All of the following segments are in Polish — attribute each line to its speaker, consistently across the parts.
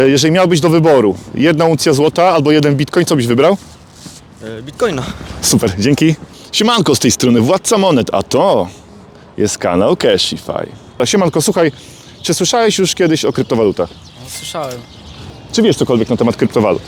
Speaker 1: Jeżeli miałbyś do wyboru 1 uncja złota albo 1 bitcoin, co byś wybrał?
Speaker 2: Bitcoina.
Speaker 1: Super, dzięki. Siemanko, z tej strony Władca Monet, a to jest kanał Cashify. Siemanko, słuchaj, czy słyszałeś już kiedyś o kryptowalutach?
Speaker 2: No, słyszałem.
Speaker 1: Czy wiesz cokolwiek na temat kryptowalut?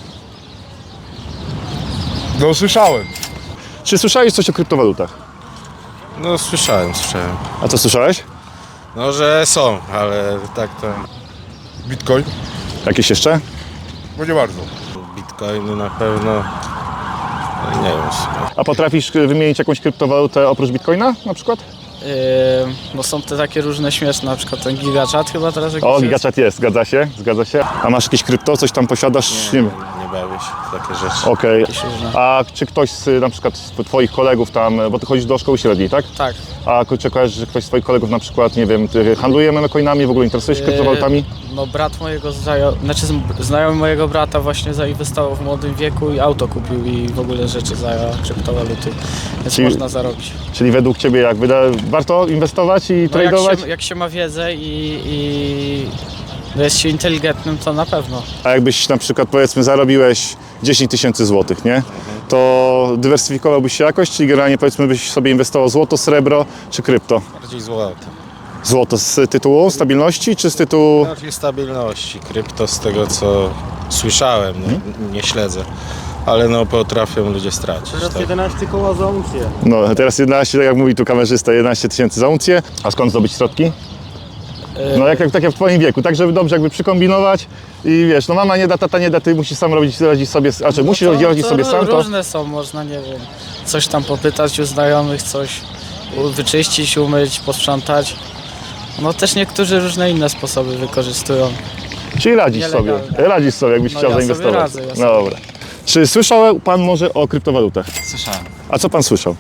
Speaker 3: No słyszałem.
Speaker 1: Czy słyszałeś coś o kryptowalutach?
Speaker 3: No słyszałem.
Speaker 1: A co słyszałeś?
Speaker 3: No, że są, ale tak to... Bitcoin?
Speaker 1: Jakieś jeszcze?
Speaker 3: Bo nie bardzo. Bitcoiny na pewno... No, nie wiem.
Speaker 1: A potrafisz wymienić jakąś kryptowalutę oprócz bitcoina na przykład?
Speaker 2: Bo są te takie różne śmieszne, na przykład ten GigaChat chyba teraz jakiś
Speaker 1: O,
Speaker 2: jest.
Speaker 1: GigaChat jest, zgadza się. A masz jakieś krypto, coś tam posiadasz? Nie wiem.
Speaker 3: Nie bawię się w takie rzeczy.
Speaker 1: Okej.
Speaker 2: Jakieś różne.
Speaker 1: A czy ktoś na przykład z twoich kolegów tam, bo ty chodzisz do szkoły średniej, tak?
Speaker 2: Tak.
Speaker 1: A czy kojarzysz, że ktoś z twoich kolegów na przykład, nie wiem, ty handluje coinami, w ogóle interesuje się kryptowalutami?
Speaker 2: No brat mojego znajomy mojego brata właśnie zainwestował w młodym wieku i auto kupił i w ogóle rzeczy za kryptowaluty, więc
Speaker 1: Czyli-
Speaker 2: można zarobić.
Speaker 1: Czyli według ciebie jak warto inwestować i
Speaker 2: No
Speaker 1: tradować?
Speaker 2: jak się ma wiedzę i jest się inteligentnym, to na pewno.
Speaker 1: A jakbyś na przykład powiedzmy zarobiłeś 10 tysięcy złotych, nie? To dywersyfikowałbyś się jakoś, czyli generalnie powiedzmy byś sobie inwestował złoto, srebro czy krypto?
Speaker 3: Bardziej złoto.
Speaker 1: Złoto z tytułu stabilności czy z tytułu...
Speaker 3: Bardziej stabilności. Krypto z tego co słyszałem, no, nie śledzę. Ale no potrafią ludzie stracić.
Speaker 4: Teraz
Speaker 3: Tak?
Speaker 4: 11 koła za uncję.
Speaker 1: No teraz 11, tak jak mówi tu kamerzysta, 11 tysięcy za uncję. A skąd zdobyć środki? No tak jak w twoim wieku, tak żeby dobrze jakby przykombinować i wiesz, no mama nie da, tata nie da, ty musisz sam radzić sobie, musisz radzić sobie sam, to...
Speaker 2: Różne są, można, nie wiem, coś tam popytać u znajomych, coś wyczyścić, umyć, posprzątać. No też niektórzy różne inne sposoby wykorzystują.
Speaker 1: Czyli radzisz sobie, jakbyś
Speaker 2: No
Speaker 1: chciał
Speaker 2: ja sobie
Speaker 1: zainwestować.
Speaker 2: radzę, ja
Speaker 1: No
Speaker 2: sobie.
Speaker 1: dobra. Czy słyszał pan może o kryptowalutach?
Speaker 5: Słyszałem.
Speaker 1: A co pan słyszał?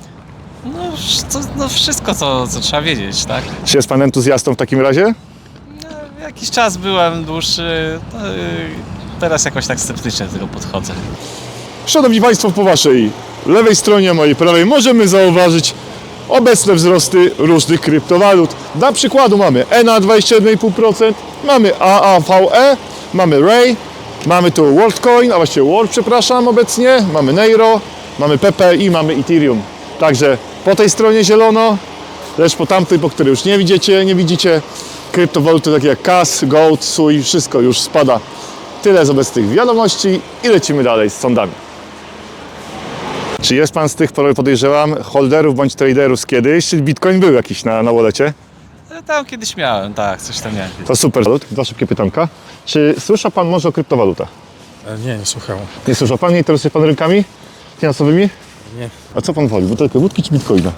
Speaker 5: No wszystko, co trzeba wiedzieć, tak?
Speaker 1: Czy jest pan entuzjastą w takim razie?
Speaker 5: Jakiś czas byłem dłuższy, teraz jakoś tak sceptycznie do tego podchodzę.
Speaker 1: Szanowni Państwo, po waszej lewej stronie, a mojej prawej możemy zauważyć obecne wzrosty różnych kryptowalut. Dla przykładu mamy ENA 21,5%, mamy AAVE, mamy RAY, mamy tu WorldCoin, a właściwie World, przepraszam, obecnie, mamy Neiro, mamy Pepe i mamy Ethereum. Także po tej stronie zielono, lecz po tamtej, po której już nie widzicie, kryptowaluty takie jak CAS, Gold, SUI, wszystko już spada. Tyle z obecnych wiadomości i lecimy dalej z sądami. Czy jest pan z tych, podejrzewam, holderów bądź traderów z kiedyś? Czy Bitcoin był jakiś na wallecie?
Speaker 5: Tam kiedyś miałem, tak, coś tam miałem.
Speaker 1: To super. Dwa szybkie pytanka. Czy słyszał pan może o kryptowalutach?
Speaker 3: Nie słuchałem.
Speaker 1: Nie słyszał pan? Nie interesuje pan rynkami finansowymi?
Speaker 3: Nie.
Speaker 1: A co pan woli? Butelkę wódki czy Bitcoina?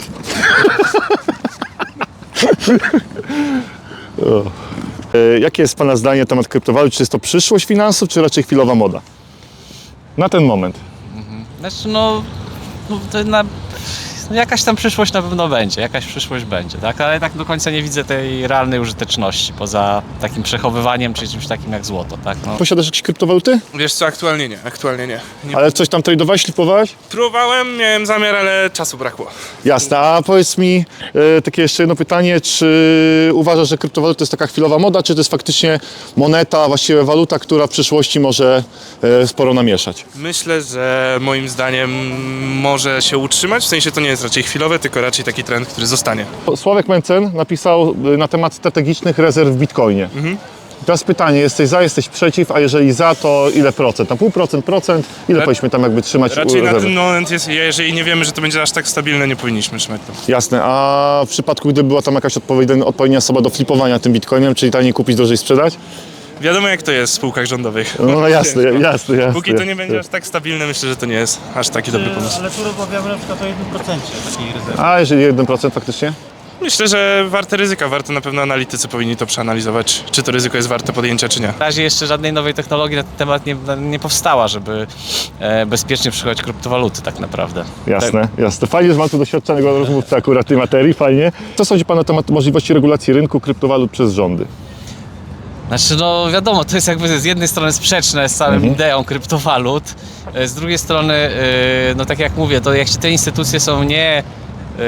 Speaker 1: O. Jakie jest pana zdanie na temat kryptowalut? Czy jest to przyszłość finansów, czy raczej chwilowa moda? Na ten moment.
Speaker 5: Znaczy jakaś tam przyszłość na pewno będzie, jakaś przyszłość będzie, tak? Ale tak do końca nie widzę tej realnej użyteczności, poza takim przechowywaniem czy czymś takim jak złoto, tak? No.
Speaker 1: Posiadasz jakieś kryptowaluty?
Speaker 6: Wiesz co, aktualnie nie.
Speaker 1: Ale coś tam tradowałeś, flipowałeś?
Speaker 6: Próbowałem, miałem zamiar, ale czasu brakło.
Speaker 1: Jasne, a powiedz mi takie jeszcze jedno pytanie, czy uważasz, że kryptowaluta to jest taka chwilowa moda, czy to jest faktycznie moneta, właściwie waluta, która w przyszłości może sporo namieszać?
Speaker 6: Myślę, że moim zdaniem może się utrzymać, w sensie to nie jest raczej chwilowe, tylko raczej taki trend, który zostanie.
Speaker 1: Sławek Mencen napisał na temat strategicznych rezerw w Bitcoinie. I teraz pytanie, jesteś za, jesteś przeciw, a jeżeli za, to ile procent? Na 0,5%? Ile powinniśmy tam jakby trzymać
Speaker 6: Raczej na
Speaker 1: rezerwy?
Speaker 6: ten moment jest, jeżeli nie wiemy, że to będzie aż tak stabilne, nie powinniśmy trzymać to.
Speaker 1: Jasne, a w przypadku, gdyby była tam jakaś odpowiednia osoba do flipowania tym Bitcoinem, czyli taniej kupić, drożej sprzedać?
Speaker 6: Wiadomo jak to jest w spółkach rządowych.
Speaker 1: No jasne,
Speaker 6: Ciężko.
Speaker 1: jasne.
Speaker 6: Póki to nie będzie aż tak stabilne, myślę, że to nie jest aż taki dobry pomysł.
Speaker 4: Ale tu rozmawiamy na przykład o 1% takiej rezerwy.
Speaker 1: A jeżeli 1% faktycznie?
Speaker 6: Myślę, że warte ryzyka, warto na pewno analitycy powinni to przeanalizować, czy to ryzyko jest warte podjęcia, czy nie.
Speaker 5: Na razie jeszcze żadnej nowej technologii na ten temat nie powstała, żeby bezpiecznie przychodzić kryptowaluty tak naprawdę.
Speaker 1: Jasne. Fajnie, że mam tu doświadczonego rozmówcę akurat tej materii, fajnie. Co sądzi pan na temat możliwości regulacji rynku kryptowalut przez rządy?
Speaker 5: Znaczy, no wiadomo, to jest jakby z jednej strony sprzeczne z całą ideą kryptowalut, z drugiej strony, no tak jak mówię, to jak te instytucje są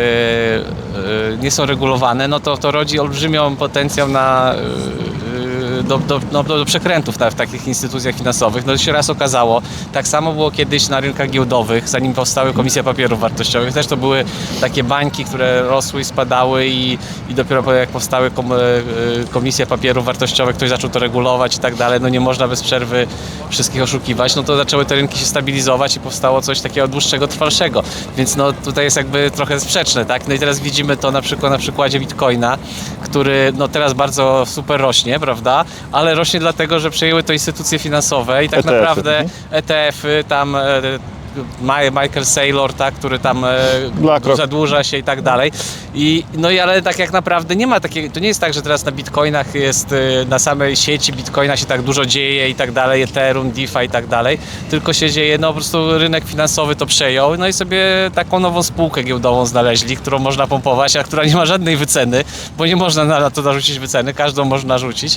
Speaker 5: nie są regulowane, no to rodzi olbrzymią potencjał na do przekrętów w takich instytucjach finansowych. No się raz okazało, tak samo było kiedyś na rynkach giełdowych, zanim powstały komisje papierów wartościowych. Też to były takie bańki, które rosły i spadały i dopiero jak powstały komisje papierów wartościowych, ktoś zaczął to regulować i tak dalej. No nie można bez przerwy wszystkich oszukiwać. No to zaczęły te rynki się stabilizować i powstało coś takiego dłuższego, trwalszego. Więc no tutaj jest jakby trochę sprzeczne, tak? No i teraz widzimy to na przykładzie Bitcoina, który no teraz bardzo super rośnie, prawda? Ale rośnie dlatego, że przejęły to instytucje finansowe i tak
Speaker 1: ETF-y.
Speaker 5: naprawdę ETF-y tam Michael Saylor, tak, który tam
Speaker 1: BlackRock.
Speaker 5: zadłuża się i tak dalej. Ale tak jak naprawdę nie ma takiego, to nie jest tak, że teraz na Bitcoinach jest, na samej sieci Bitcoina się tak dużo dzieje i tak dalej, Ethereum, DeFi i tak dalej, tylko się dzieje, no po prostu rynek finansowy to przejął, no i sobie taką nową spółkę giełdową znaleźli, którą można pompować, a która nie ma żadnej wyceny, bo nie można na to narzucić wyceny, każdą można rzucić.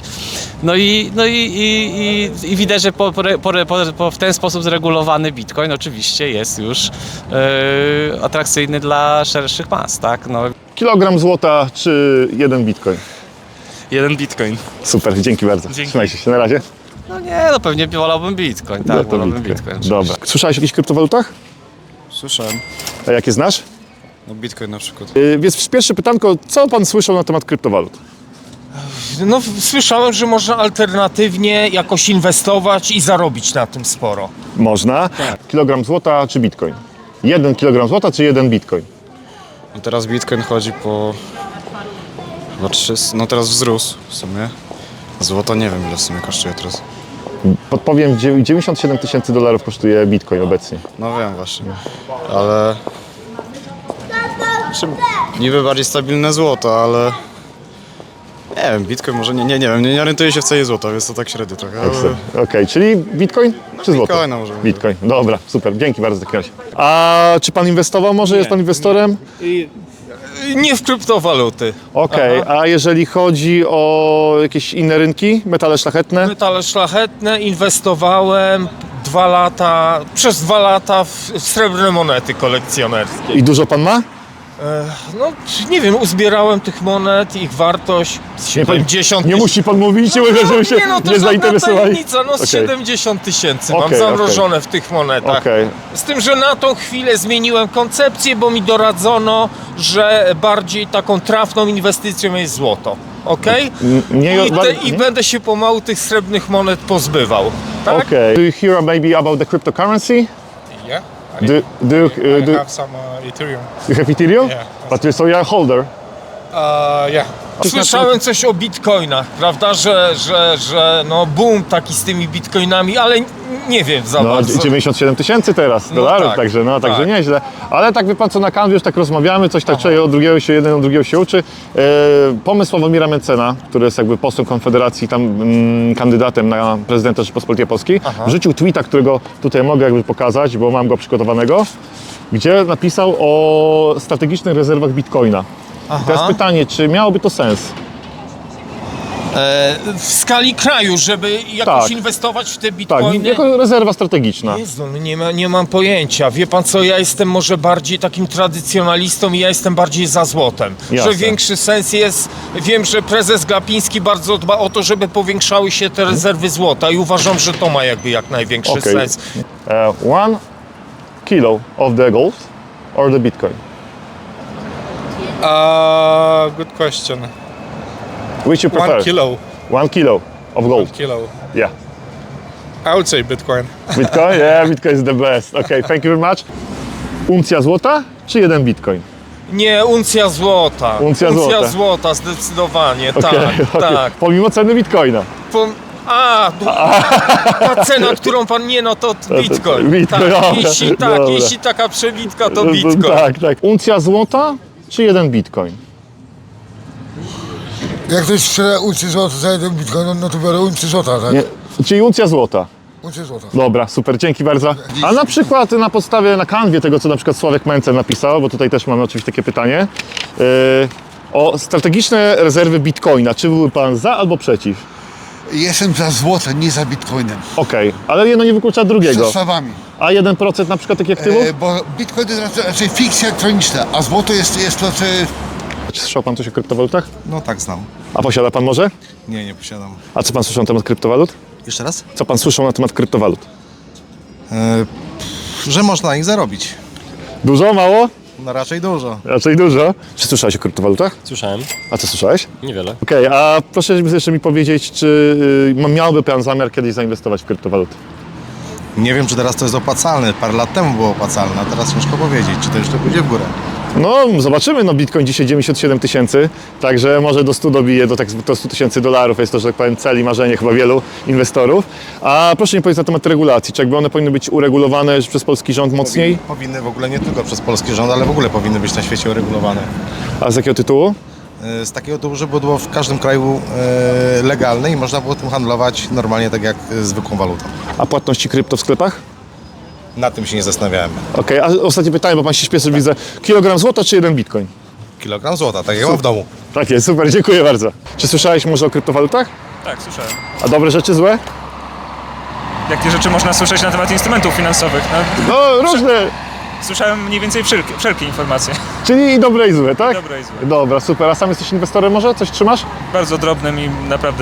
Speaker 5: I widać, że w ten sposób zregulowany Bitcoin oczywiście jest już atrakcyjny dla szerszych mas, tak? No.
Speaker 1: Kilogram złota czy 1 bitcoin?
Speaker 6: 1 bitcoin.
Speaker 1: Super, dzięki bardzo.
Speaker 6: Dzięki.
Speaker 1: Trzymajcie się, na razie.
Speaker 5: No nie, no pewnie wolałbym Bitcoin, tak,
Speaker 1: No to
Speaker 5: wolałbym Bitcoin.
Speaker 1: Dobra. Słyszałeś o jakichś kryptowalutach?
Speaker 7: Słyszałem.
Speaker 1: A jakie znasz?
Speaker 7: No Bitcoin na przykład.
Speaker 1: Więc pierwsze pytanko, co pan słyszał na temat kryptowalut?
Speaker 8: No, słyszałem, że można alternatywnie jakoś inwestować i zarobić na tym sporo.
Speaker 1: Można. Kilogram złota czy bitcoin? 1 kilogram złota czy 1 bitcoin?
Speaker 7: No teraz Bitcoin chodzi po... Chyba 300... No teraz wzrósł w sumie. Złoto nie wiem ile w sumie kosztuje teraz.
Speaker 1: Podpowiem, $97,000 kosztuje bitcoin obecnie.
Speaker 7: No wiem właśnie. Ale... Niby bardziej stabilne złoto, ale... Nie wiem, Bitcoin może nie wiem, nie orientuję się w cenie złota, więc to tak średnio trochę. Ale...
Speaker 1: Okej, czyli bitcoin czy złoto?
Speaker 7: Bitcoina może.
Speaker 1: Bitcoin, dobra, super, dzięki bardzo w takim razie. A czy pan inwestował może? Jest pan inwestorem?
Speaker 8: Nie w kryptowaluty.
Speaker 1: Okej, a jeżeli chodzi o jakieś inne rynki, metale szlachetne?
Speaker 8: Metale szlachetne inwestowałem przez 2 lata w srebrne monety kolekcjonerskie.
Speaker 1: I dużo pan ma?
Speaker 8: No, nie wiem, uzbierałem tych monet, ich wartość 70
Speaker 1: Nie musi pan mówić, żeby się
Speaker 8: no to
Speaker 1: nie
Speaker 8: żadna
Speaker 1: zainteresowali.
Speaker 8: tajemnica, no z
Speaker 1: Okej.
Speaker 8: 70 000 mam
Speaker 1: Okej,
Speaker 8: zamrożone w tych monetach.
Speaker 1: Okej.
Speaker 8: Z tym, że na tą chwilę zmieniłem koncepcję, bo mi doradzono, że bardziej taką trafną inwestycją jest złoto. Okej? I będę się pomału tych srebrnych monet pozbywał. Tak?
Speaker 1: Okay. Do you hear maybe about the cryptocurrency?
Speaker 6: Yeah.
Speaker 1: Do you
Speaker 6: have some Ethereum.
Speaker 1: have Ethereum?
Speaker 6: Yeah.
Speaker 1: But so you're a holder.
Speaker 6: Yeah.
Speaker 8: Słyszałem coś o bitcoinach, prawda, że no boom taki z tymi bitcoinami, ale nie wiem za
Speaker 1: No,
Speaker 8: bardzo.
Speaker 1: 97 000 teraz dolarów,
Speaker 8: tak,
Speaker 1: także
Speaker 8: tak.
Speaker 1: nieźle. Ale tak wie pan co, na kanwie już tak rozmawiamy, coś tak człowiek od drugiego się jeden od drugiego się uczy. Pomysł Sławomira Mencena, który jest jakby posłem Konfederacji, tam kandydatem na prezydenta Rzeczypospolitej Polskiej, wrzucił tweeta, którego tutaj mogę jakby pokazać, bo mam go przygotowanego, gdzie napisał o strategicznych rezerwach bitcoina. I teraz pytanie, czy miałoby to sens?
Speaker 8: W skali kraju, żeby jakoś
Speaker 1: Tak.
Speaker 8: inwestować w te
Speaker 1: Tak,
Speaker 8: bitcoiny.
Speaker 1: jako rezerwa strategiczna.
Speaker 8: Jezu, no nie mam pojęcia. Wie pan co, ja jestem może bardziej takim tradycjonalistą i ja jestem bardziej za złotem.
Speaker 1: Jasne.
Speaker 8: Że większy sens jest, wiem, że prezes Glapiński bardzo dba o to, żeby powiększały się te rezerwy złota i uważam, że to ma jakby jak największy
Speaker 1: Okay.
Speaker 8: sens.
Speaker 1: 1 kilo of the gold or the bitcoin?
Speaker 6: Good question.
Speaker 1: Which you prefer?
Speaker 6: 1 kilo.
Speaker 1: 1 kilo of gold.
Speaker 6: Kilo.
Speaker 1: Yeah.
Speaker 6: I would say Bitcoin.
Speaker 1: Bitcoin? Yeah, Bitcoin is the best. Okay, thank you very much. Uncja złota czy 1 bitcoin?
Speaker 8: Nie, uncja złota.
Speaker 1: Uncja złota.
Speaker 8: złota, zdecydowanie,
Speaker 1: Okay,
Speaker 8: tak, tak.
Speaker 1: Pomimo ceny bitcoina.
Speaker 8: Ta cena, którą pan nie, no to bitcoin.
Speaker 1: Bitcoin,
Speaker 8: Tak,
Speaker 1: dobra, dobra.
Speaker 8: jeśli taka przebitka, to bitcoin.
Speaker 1: Tak, tak. Uncja złota czy 1 bitcoin?
Speaker 9: Jak ktoś sprzeda uncję złota za 1 bitcoin, no to biorę uncję złota, tak?
Speaker 1: Nie. Czyli uncja złota.
Speaker 9: Uncję złota.
Speaker 1: Dobra, super, dzięki bardzo. A na przykład na podstawie, na kanwie tego, co na przykład Sławek Mencen napisał, bo tutaj też mamy oczywiście takie pytanie, o strategiczne rezerwy bitcoina. Czy byłby pan za albo przeciw?
Speaker 9: Jestem za złotem, nie za bitcoinem.
Speaker 1: Okej, ale jedno nie wyklucza
Speaker 9: Z
Speaker 1: drugiego.
Speaker 9: zestawami.
Speaker 1: A 1% na przykład takich aktywów?
Speaker 9: Bo bitcoin to jest raczej fikcja elektroniczna, a złoto jest to, czy...
Speaker 1: Czy słyszał pan coś o kryptowalutach?
Speaker 10: No tak, znam.
Speaker 1: A posiada pan może?
Speaker 7: Nie, nie posiadam.
Speaker 1: A co pan słyszał na temat kryptowalut?
Speaker 7: Jeszcze raz?
Speaker 1: Co pan słyszał na temat kryptowalut?
Speaker 7: Że można na nich zarobić.
Speaker 1: Dużo, mało?
Speaker 7: No raczej dużo.
Speaker 1: Raczej dużo. Czy słyszałeś o kryptowalutach?
Speaker 10: Słyszałem.
Speaker 1: A co słyszałeś?
Speaker 10: Niewiele.
Speaker 1: Okej, a proszę jeszcze mi powiedzieć, czy miałby pan zamiar kiedyś zainwestować w kryptowaluty?
Speaker 7: Nie wiem, czy teraz to jest opłacalne. Parę lat temu było opłacalne, a teraz ciężko powiedzieć, czy to jeszcze pójdzie w górę.
Speaker 1: No, zobaczymy. No, Bitcoin dzisiaj 97 tysięcy, także może do 100 dobije, do 100 tysięcy dolarów. Jest to, że tak powiem, cel i marzenie chyba wielu inwestorów. A proszę mi powiedzieć na temat regulacji. Czy jakby one powinny być uregulowane przez polski rząd mocniej?
Speaker 7: Powinny w ogóle nie tylko przez polski rząd, ale w ogóle powinny być na świecie uregulowane.
Speaker 1: A z jakiego tytułu?
Speaker 7: Z takiego tytułu, żeby było w każdym kraju legalne i można było tym handlować normalnie tak jak zwykłą walutą.
Speaker 1: A płatności krypto w sklepach?
Speaker 7: Na tym się nie zastanawiałem.
Speaker 1: Okej, a ostatnie pytanie, bo pan się śpieszy, widzę. Kilogram złota czy jeden bitcoin?
Speaker 7: Kilogram złota, tak jak mam w domu.
Speaker 1: Tak jest, super, dziękuję bardzo. Czy słyszałeś może o kryptowalutach?
Speaker 6: Tak, słyszałem.
Speaker 1: A dobre rzeczy, złe?
Speaker 6: Jakie rzeczy można słyszeć na temat instrumentów finansowych?
Speaker 1: No, różne.
Speaker 6: Słyszałem mniej więcej wszelkie informacje.
Speaker 1: Czyli i dobre i złe, tak?
Speaker 6: Dobre i złe.
Speaker 1: Dobra, super. A sam jesteś inwestorem może? Coś trzymasz?
Speaker 6: Bardzo drobnym i naprawdę,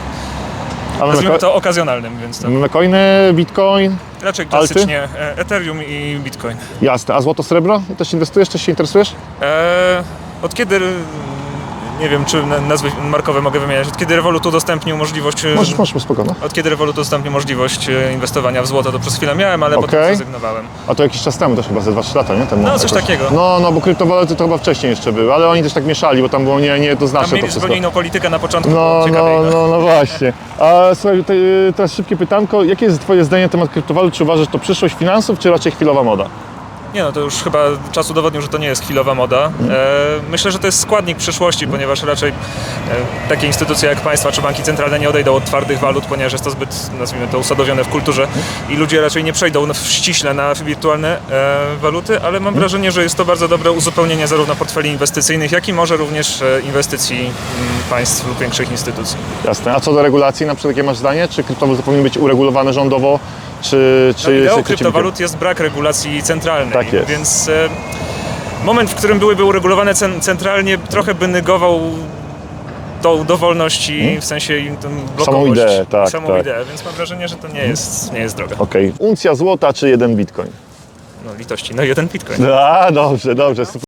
Speaker 1: A
Speaker 6: nazwijmy to okazjonalnym, więc to
Speaker 1: coiny, bitcoin?
Speaker 6: raczej klasycznie Ethereum i Bitcoin.
Speaker 1: Jasne. A złoto, srebro? Też inwestujesz? Też się interesujesz?
Speaker 6: Od kiedy, nie wiem czy nazwy markowe mogę wymieniać, od kiedy Revolut udostępnił możliwość...
Speaker 1: Możesz, spokojnie.
Speaker 6: Od kiedy Revolut udostępnił możliwość inwestowania w złoto, to przez chwilę miałem, ale potem
Speaker 1: Okej.
Speaker 6: zrezygnowałem.
Speaker 1: A to jakiś czas temu, też chyba ze 2-3 lata, nie? Temu
Speaker 6: No, coś
Speaker 1: jakoś.
Speaker 6: takiego.
Speaker 1: No, bo kryptowaluty to chyba wcześniej jeszcze były, ale oni też tak mieszali, bo tam było
Speaker 6: Tam
Speaker 1: niejednoznaczne to
Speaker 6: mieli
Speaker 1: wszystko.
Speaker 6: zupełnie inną politykę na początku,
Speaker 1: No,
Speaker 6: ciekawiej.
Speaker 1: no właśnie. A słuchaj, teraz szybkie pytanko. Jakie jest twoje zdanie na temat kryptowalut? Czy uważasz, że to przyszłość finansów, czy raczej chwilowa moda?
Speaker 6: Nie no, to już chyba czas udowodnił, że to nie jest chwilowa moda. Myślę, że to jest składnik przyszłości, ponieważ raczej takie instytucje jak państwa czy banki centralne nie odejdą od twardych walut, ponieważ jest to zbyt, nazwijmy to, usadowione w kulturze i ludzie raczej nie przejdą ściśle na wirtualne waluty, ale mam wrażenie, że jest to bardzo dobre uzupełnienie zarówno portfeli inwestycyjnych, jak i może również inwestycji państw lub większych instytucji.
Speaker 1: Jasne. A co do regulacji, na przykład jakie masz zdanie? Czy kryptowaluty powinny być uregulowane rządowo, czy
Speaker 6: Ideą kryptowalut jest brak regulacji centralnej,
Speaker 1: Tak jest.
Speaker 6: więc moment, w którym byłyby uregulowane centralnie, trochę by negował do wolności, w sensie blokowość.
Speaker 1: Samą ideę, tak,
Speaker 6: samą
Speaker 1: tak.
Speaker 6: ideę, więc mam wrażenie, że to nie jest droga.
Speaker 1: Okej. Uncja złota czy jeden bitcoin?
Speaker 6: No litości, no jeden bitcoin.
Speaker 1: A, dobrze, super.